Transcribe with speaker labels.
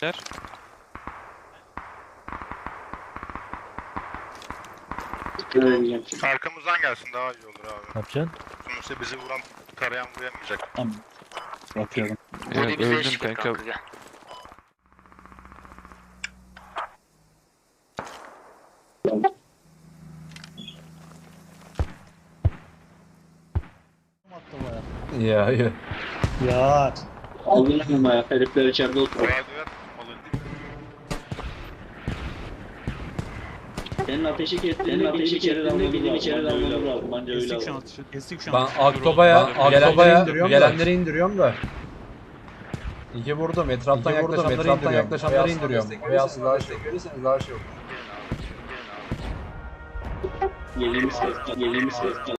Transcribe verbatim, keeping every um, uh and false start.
Speaker 1: Yer.
Speaker 2: Arkamızdan gelsin daha iyi olur abi.
Speaker 3: Ne yapacaksın?
Speaker 2: Sonuçta bizi vuran tarayan vuruyamayacak.
Speaker 4: Tamam. Bakıyorum.
Speaker 1: Ya,
Speaker 5: Body bize
Speaker 1: öldüm
Speaker 5: eşlik et
Speaker 1: kanka.
Speaker 5: kanka gel.
Speaker 6: Ya ya.
Speaker 4: Ya.
Speaker 7: Aldılar mı ya? Herifler içeride oturuyor.
Speaker 2: Radyoya tutmalı.
Speaker 7: Senin ateşi kestiğini ateşi içeri dalmamız lazım. içeri dalmamız lazım. Bence öyle
Speaker 4: Kestik şu an
Speaker 7: lazım.
Speaker 4: atışı. Kestik şu
Speaker 6: Ben
Speaker 4: an.
Speaker 6: Aktoba'ya
Speaker 1: Dur oğlum,
Speaker 6: gelenleri
Speaker 1: dur.
Speaker 6: indiriyorum, gelenleri indiriyorum da. İki vurdum. Etraftan yaklaşanları etraftan yaklaşanları indiriyorum. Veya silahı şey görürseniz daha şey olur.
Speaker 7: Yediğimiz kesti. Yediğimiz kesti.